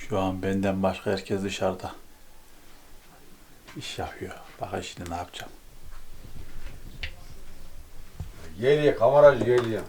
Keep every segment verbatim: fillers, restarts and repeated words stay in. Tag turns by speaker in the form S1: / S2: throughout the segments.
S1: Şu an benden başka herkes dışarıda. İş yapıyor. Bakın şimdi ne yapacağım.
S2: Geliyor kameracı geliyor.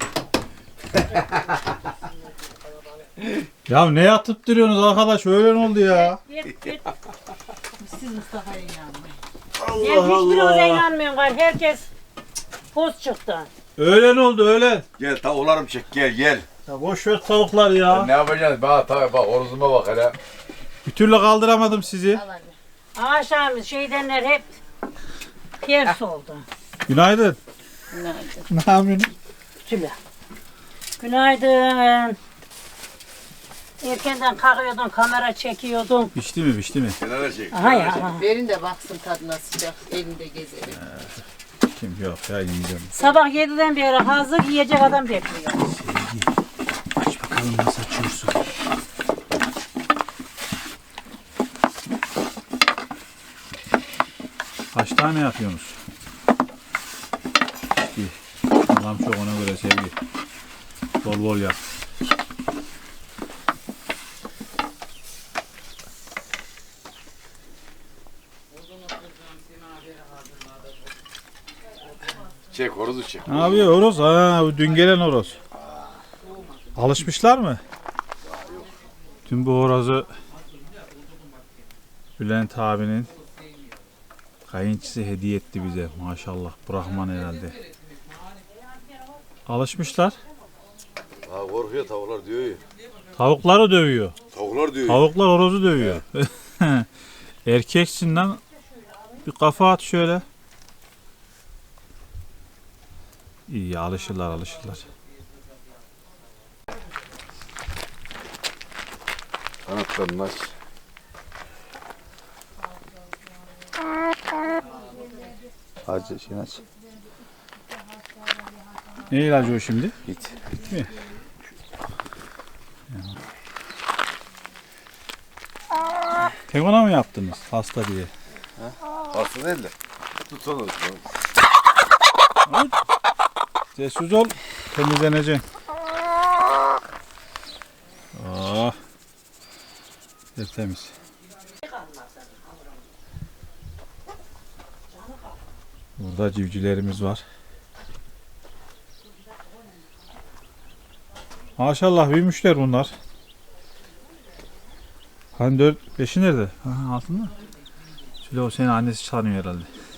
S1: Ya ne yatıp duruyorsunuz arkadaş? Öyle oldu ya.
S3: Siz Mustafa'ya inanmayın.
S1: Allah
S3: Ben hiçbirinize
S1: Allah.
S3: inanmıyorum gari. Herkes poz çıktı.
S1: Öğlen oldu öğlen.
S2: Gel tavuklarım çek gel gel.
S1: Ya boş ver tavuklar ya.
S2: Ne yapacağız? Bak tabii bak oruzuma bak hele.
S1: Bir türlü kaldıramadım sizi.
S3: Akşam şeydenler hep ters oldu.
S1: Günaydın.
S3: Günaydın.
S1: Ne yapıyorsun?
S3: Tüle. Günaydın. Erkenden kalkıyordun, kamera çekiyordun.
S1: Pişti mi pişti mi?
S2: Kenara çek.
S3: Aha ya.
S4: Verin de baksın tadına sıcak. Elinde gezelim.
S1: Kim yok ya yiyeceğim.
S3: Sabah yediden beri hazır yiyecek adam bekliyor.
S1: Sevgi. Aç bakalım nasıl açıyorsun. Kaç tane yapıyorsunuz? İyi. Allah'ım çok ona göre Sevgi. Bol bol yap.
S2: Çek horozu çek.
S1: Ne yapıyor horoz? Ha, bu dün gelen horoz. Alışmışlar mı? Tüm bu horozu Bülent abinin kayınçısı hediye etti bize. Maşallah. Brahman herhalde. Alışmışlar.
S2: Ha korkuyor tavuklar diyor ya.
S1: Tavukları dövüyor.
S2: Tavuklar diyor.
S1: Tavuklar horozu dövüyor. Erkeksin lan. Bir kafa at şöyle. İyi alışırlar alışırlar.
S2: Kanatlarını aç.
S1: Acı şey aç. Ne ilacı o şimdi?
S2: Git.
S1: Git mi? Tek ona mı yaptınız hasta diye?
S2: Hasta değil de. Tut onu.
S1: Sessiz ol, temizleneceksin. Oh. Tertemiz. Burada civcivlerimiz var. Maşallah büyümüşler bunlar. Hani dört, beşi nerede? Ha, altında. Şöyle o senin annesi sanıyor herhalde.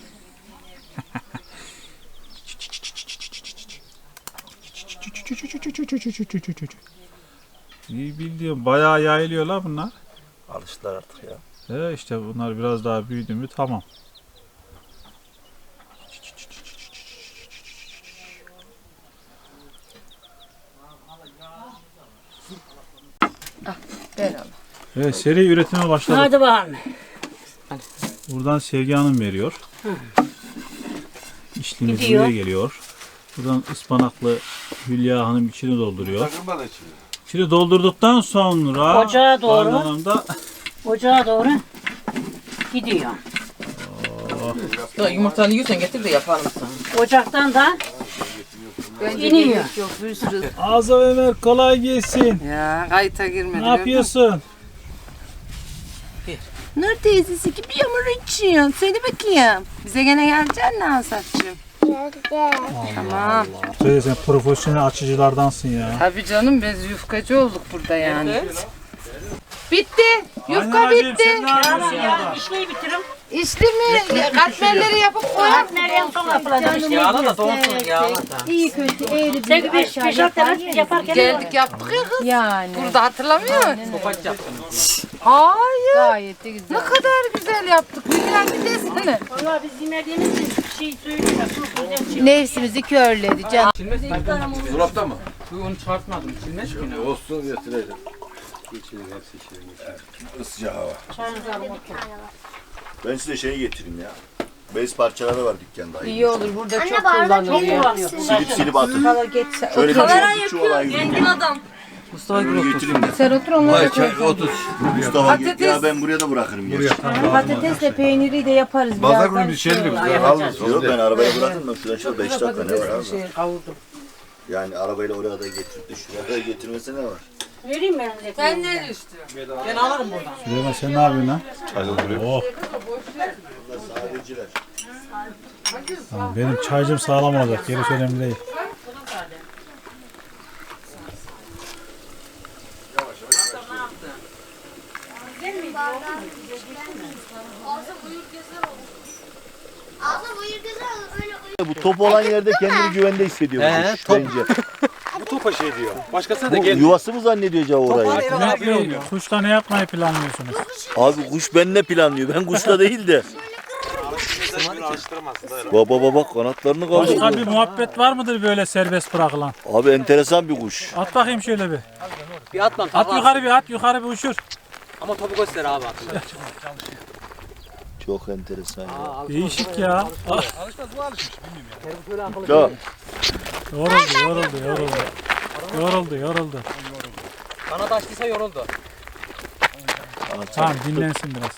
S1: İyi bildiğim bayağı yayılıyorlar bunlar.
S5: Alıştılar artık ya.
S1: He işte bunlar biraz daha büyüdü mü tamam.
S4: Ver Allah.
S1: Evet seri üretime başladık.
S3: Hadi bakalım.
S1: Buradan Sevgi Hanım veriyor. İşlimiz
S3: Gidiyor.
S1: buraya geliyor. Buradan ıspanaklı Hülya Hanım içini dolduruyor.
S2: Takılma da içine.
S1: İçini doldurduktan sonra
S3: Ocağa doğru.
S1: kaynanamda
S3: Ocağa doğru gidiyor.
S4: Ya, yumurtanı yiyorsan getir de yapalım sana.
S3: Ocaktan da
S4: Bence
S3: İniyor.
S4: gerek yok bir sürü.
S1: Azam Ömer kolay gelsin.
S4: Ya kayıta girmedi.
S1: Ne yapıyorsun?
S4: Nur teyzesi gibi yağmur içiyor. Söyle bakayım. Bize gene geleceksin mi Asaf'cığım? Tamam.
S1: Söyle sen profesyonel açıcılardansın ya.
S4: Tabii canım biz yufkacı olduk burada yani. Bitti. Yufka
S1: Anneciğim,
S4: bitti.
S1: sen ne yapıyorsun
S3: ya
S1: orada?
S3: işleyi bitirim.
S4: İçti mi? Katmerleri yapıp koyalım.
S3: Partnerlerin son yapılacak işte.
S6: Yağla da soğusun yağla da.
S7: İyi kötü eğri
S3: Sen
S7: bir
S3: bir
S7: aşağı
S3: beş
S7: yapar
S3: altı
S7: ya.
S3: yaparken
S4: Geldik yaptık ya kız.
S7: Yani.
S4: Burada hatırlamıyor musun?
S6: Topaç yaptınız.
S4: Hayır.
S7: Gayet de güzel.
S4: Ne kadar güzel yaptık. Bilmem bir desene.
S3: Valla biz yemediğimiz için bir şey söyleyemiyoruz.
S7: Nefsimizi körledi canım.
S6: Çilmez mi?
S2: Dolapta mı?
S6: Bu onu çıkartmadım. Çilmez ki ne?
S2: Olsun getireceğim. Isıcak hava.
S5: Ben size şey getireyim ya. Bez parçaları var dükkanda.
S4: İyi olur burada çok
S7: bardak
S4: kullanılıyor.
S5: Silip silip atın.
S4: Hala geçse.
S5: Şöyle bir çubuk çuvala gideyim.
S6: Mustafa
S5: Böyle
S6: Gül
S5: getireyim de.
S4: Sen otur onları koy.
S2: otur.
S5: Mustafa git
S4: Patates.
S5: ya ben buraya da bırakırım. Gerçi.
S7: Patatesle peyniri de yaparız
S2: Pazar
S7: birazdan.
S2: günü bir şeydir. Alırız.
S5: Yok ben arabaya bırakırım. Ben şuradan şöyle beş dakika ne var abi?
S4: Şey, kavurdum.
S5: Yani arabayla oraya da getirip de şuraya da getirmese ne var?
S3: Vereyim ben size.
S4: Sen ne düştü?
S6: Ben alırım buradan.
S1: Süleyman sen ne yapıyorsun lan?
S2: Çay dolduruyor.
S1: Oh.
S5: Sadeciler.
S1: Tamam, benim çaycım sağlam olacak. Gerisi önemli değil.
S5: Bu top olan yerde kendini güvende hissediyor. bu
S8: He,
S5: kuş
S8: top.
S5: bence.
S8: Bu topa şey diyor. Başkasına da
S5: Bu
S8: gel.
S5: yuvası mı zannediyor acaba orayı?
S1: Mehmet Bey, kuşla ne yapmayı planlıyorsunuz?
S5: Abi kuş benimle planlıyor. Ben kuşla değil de. Baba baba kanatlarını
S1: Başka
S5: kaldırıyor.
S1: bir muhabbet var mıdır böyle serbest bırakılan?
S5: Abi enteresan bir kuş.
S1: At bakayım şöyle bir.
S6: Bir atma.
S1: At yukarı bir at yukarı bir uçur.
S6: Ama topu göster abi.
S5: Çok enteresan ya.
S1: Değişik ya.
S5: Ya
S1: Yoruldu yoruldu yoruldu. Yoruldu yoruldu.
S6: Kanat açtıysa yoruldu.
S1: Tamam dinlensin biraz.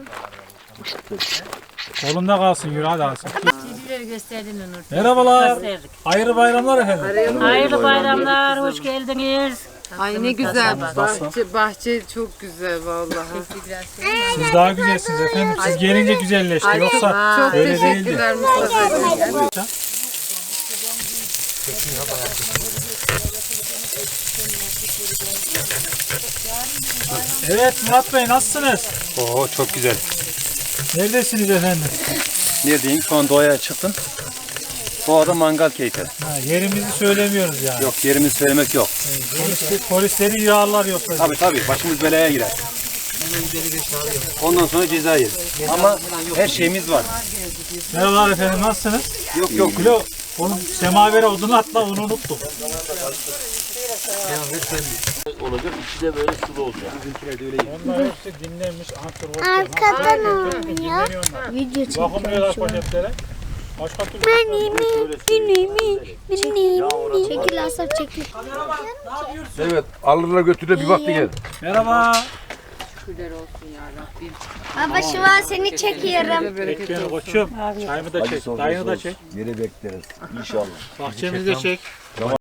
S1: Kolunda kalsın yürü hadi alsın.
S7: Sizleri gösterdin Onur.
S1: Merhabalar.
S3: Gösterdik.
S1: Hayırlı bayramlar efendim.
S3: Hayırlı bayramlar, hoş geldiniz.
S4: Ay ne güzel bahçe, bahçe çok güzel vallahi.
S1: Siz daha güzelsiniz efendim. Siz gelince güzelleşti. Yoksa
S4: Çok
S1: öyle değildi.
S4: teşekkürler Mustafa'cığım.
S1: Evet Murat Bey nasılsınız?
S8: Oo çok güzel.
S1: Neredesiniz efendim?
S8: Neredeyim? Şu an doğaya çıktım. Doğada mangal keyfi.
S1: Ha, yerimizi söylemiyoruz yani.
S8: Yok yerimizi söylemek yok.
S1: Polis, polisleri yağlar yoksa.
S8: Tabii tabii başımız belaya girer. Ondan sonra ceza yeriz. Ama her şeyimiz var.
S1: Merhabalar efendim nasılsınız?
S8: Yok yok.
S1: Kilo, onun semavere odunu atla onu unuttum.
S5: olacak. İçi de böyle sulu olacak.
S1: Onlar hepsi dinlenmiş antrenör.
S9: Arkadan oynuyor. Video
S1: Vakumluyorlar
S9: çekiyor.
S1: poşetlere. Başka türlü.
S9: Benim, benim, benim. Çekil Asaf çekil.
S2: Evet alırlar götürür bir baktı gel.
S1: Merhaba.
S9: Baba şu an seni çekiyorum.
S1: Çek beni koçum. Çayımı da çek. Dayını da çek.
S5: Yeri bekleriz. İnşallah.
S1: Bahçemizi de çek.